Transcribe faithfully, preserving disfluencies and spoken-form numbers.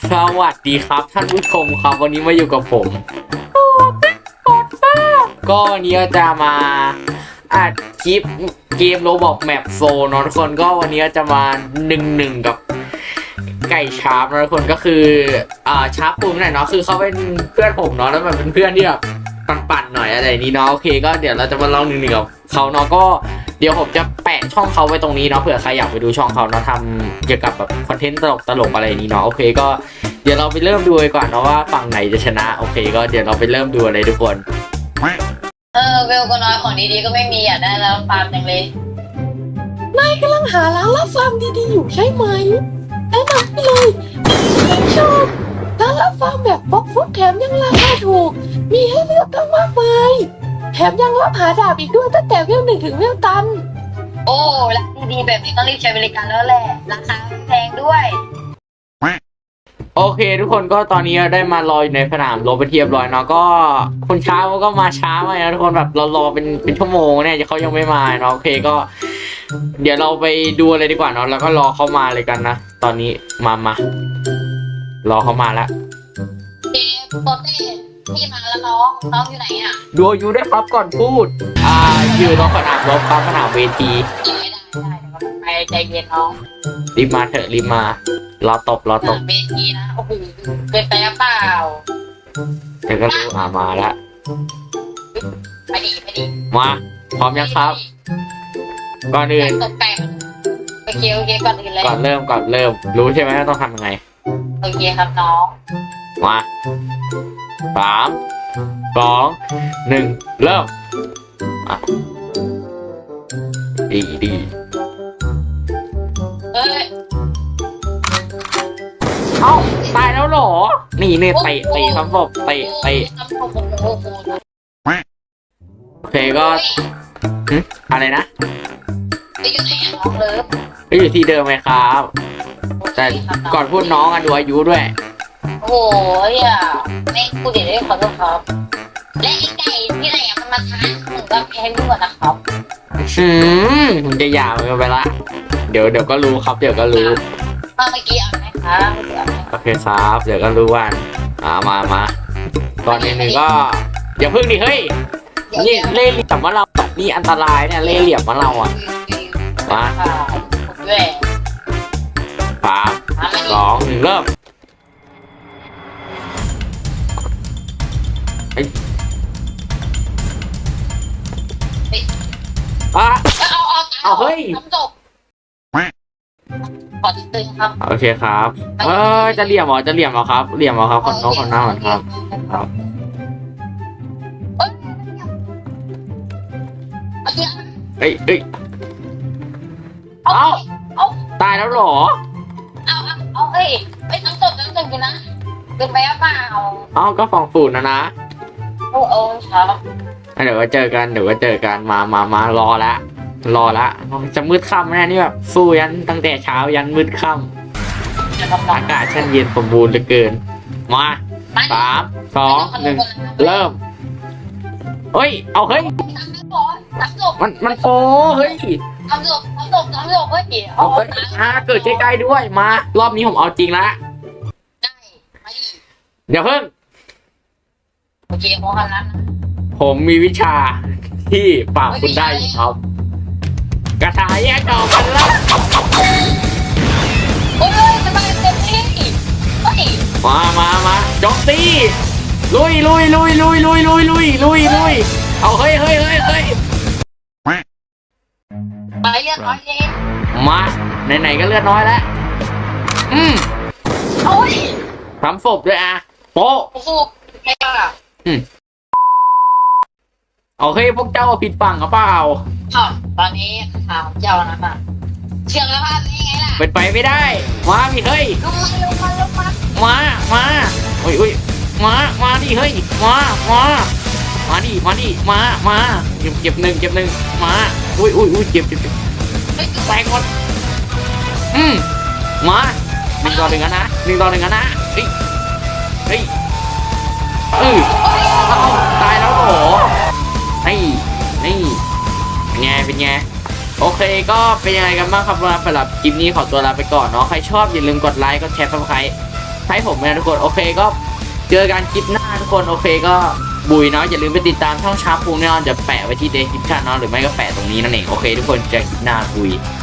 สวัสดีครับท่านผู้ชมครับวันนี้มาอยู่กับผมก็วันนี้จะมาอัดคลิปเกมโรบอกแมปโซนทุกคนก็วันนี้จะมาหนึ่งหนึ่งกับไก่ชาร์ปนะทุกคนก็คืออ่าชาร์ปปุ่มหน่อยเนาะคือเขาเป็นเพื่อนผมเนาะแล้วมันเป็นเพื่อนที่แบบปั่นๆหน่อยอะไรนี้เนาะโอเคก็เดี๋ยวเราจะมาลองหนึ่งหนึ่งกับเขาเนาะก็เดี๋ยวผมจะแปะช่องเขาไว้ตรงนี้เนาะเผื่อใครอยากไปดูช่องเขาเนาะทำเกี่ยวกับแบบคอนเทนต์ตลกตลกอะไรนี้เนาะโอเคก็เดี๋ยวเราไปเริ่มดูกันก่อนเนาะว่าฝั่งไหนจะชนะโอเคก็เดี๋ยวเราไปเริ่มดูเลยทุกคนเออเวลก็น้อยของดีๆก็ไม่มีอ่ะได้แล้วฟาร์มจังเลยนายกำลังหาร้านรับฟาร์มดีๆอยู่ใช่ไหมแนะนำไปเลยที่ชอบร้านรับฟาร์มแบบบล็อกฟุตแถมยังราคาถูกมีให้เลือกตั้งมากมายแถมยังรับหาดาบอีกด้วยตั้งแต่เวลหนึ่งถึงเวลตันโอ้ร้านดีๆแบบนี้ต้องรีบใช้บริการแล้วแหละราคาไม่แพงด้วยโอเคทุกคนก็ตอนนี้ได้มารออยู่ในสนามรบไปเทียบร้อยเนาะก็คนช้าก็มาช้ามากนะทุกคนแบบเรารอเป็นเป็นชั่วโมงเนี่ยเขายังไม่มาเนาะโอเคก็เดี๋ยวเราไปดูอะไรดีกว่าเนาะแล้วก็รอเขามาเลยกันนะตอนนี้มามารอเขามาแล้วเจโปเต้พี่มาแล้วน้องน้องอยู่ไหนอ่ะดูอยู่ได้ครับก่อนพูดอ่าอยู่ตรงสนามรบครับสนามเวทีได้ได้ไปใจเย็นน้องรีบมาเถอะรีบมารอตบรอตบเวทีนะโอ้โหเป็นไปหรือเปล่าเดี๋ยวก็รู้อ่ามาแล้วไปดีไปดีมาพร้อมยังครับก่อนอื่นตกแต่งโอเคโอเคก่อนอื่นเลยก่อนเริ่มก่อนเริ่มรู้ใช่ไหมว่าต้องทำยังไงโอเคครับน้องมาสามสองหนึ่งเริ่มดีดีเอ้ยเอ้าตายแล้วหรอนี่เนี่ยเตะเตะครับผมเตะเตะโอเคก็อะไรนะไปอยู่ไหนน้องเลิฟก็อยู่ที่เดิมไหมครับแต่ก่อนพูดน้องอะดูอายุด้วยโอ้ยอ่ะไม่พูดเดี๋ยวได้ขอโทษครับและไอ้ไก่ที่ไหนมันมาท้าหนูก็แพ้ด้วยนะครับอืมมันจะยาวไปละเดี๋ยวเดี๋ยวก็รู้ครับเดี๋ยวก็รู้เมื่อกี้เอาไหมครับโอเคครับเดี๋ยวก็รู้วันอ่ามามาก่อนหนึ่งหนึ่งก็อย่าพึ่งดิเฮ้ยนี่เล่เหลี่ยมว่าเรานี่อันตรายเนี่ยเล่เหลี่ยมว่าเราอ่ะมาสามสองหนึ่งเริ่มอ่ะเอาเอาเอาเฮ้ยขอตึงครับโอเคครับเออจะเหลี่ยมเหรอจะเหลี่ยมเหรอครับเหลี่ยมเหรอครับคนน้องคนหน้าเหมือนครับครับเอ้ยเอ้ยเอาเอาตายแล้วหรอเอาเอาเอาเอ้ยไปน้ำตกน้ำตกอยู่นะเป็นไปเปล่าเอาก็ฟองฝุ่นนะนะโอ้โอ้ครับเดี๋ยวก็เจอกันเดี๋ยวก็เจอกันมามามารอละรอละจะมืดค่ำแน่นี่แบบสู้ยันตั้งแต่เช้ายันมืดค่ำอากาศช่างเย็นสมบูรณ์เหลือเกินมาสามสองหนึ่งเริ่มเฮ้ยเอาเฮ้ยมันมันโอ้เฮ้ยทำจบทำจบทำจบเฮ้ยเอาเฮ้ยอ่าเกิดใกล้ๆด้วยมารอบนี้ผมเอาจริงละได้มาดิเดี๋ยวเพิ่งโอเคพอกันแล้วผมมีวิชาที่ปราบคุณได้ครับกระถายแยกออกกันแล้วโอ้ยสบายเต็มที่มามามาจอกตีลุยลุยลุยลุยลุยลุยลุยลุยลุยเอาเฮ้ยเฮ้ยเฮ้ยเฮ้ยไปเลือดน้อยเองมาไหนๆก็เลือดน้อยแล้วอืมโอ้ยทำศพด้วยอ่ะโป๊ะศพไงล่ะอืมโอเคพวกเจ้าผิดฝั่งหรือเปล่าอ้าวตอนนี้ข่าวเจ้านะมาเชื่อแล้วพลาดยังไงล่ะเป็นไปไม่ได้มาพี่เฮ้ยลงมาลงมาลงมามามาอุ้ยอุ้ยมามาดิเฮ้ยมามามาดิมาดิมามาเก็บเก็บหนึ่งเก็บหนึ่งมาอุ้ยอุ้ยอุ้ยเก็บเก็บแตกหมดอืมมาหนึ่งต่อหนึ่งนะหนึ่งต่อหนึ่งนะเฮ้ยเฮ้ยเออเอาตายแล้วโหนี่นี่เป็นไงเป็นไงโอเคก็เป็นยังไงกันบ้างครับสำหรับคลิปนี้ขอตัวลาไปก่อนเนาะใครชอบอย่าลืมกดไลค์กดแชร์ซับสไครบ์ให้ผมนะทุกคนโอเคก็เจอกันคลิปหน้าทุกคนโอเคก็บุยเนาะอย่าลืมไปติดตามช่องชาร์ปพุงแน่นอนจะแปะไว้ที่เดสคริปชั่นเนาะหรือไม่ก็แปะตรงนี้นั่นเองโอเคทุกคนเจอกันคลิปหน้าบุย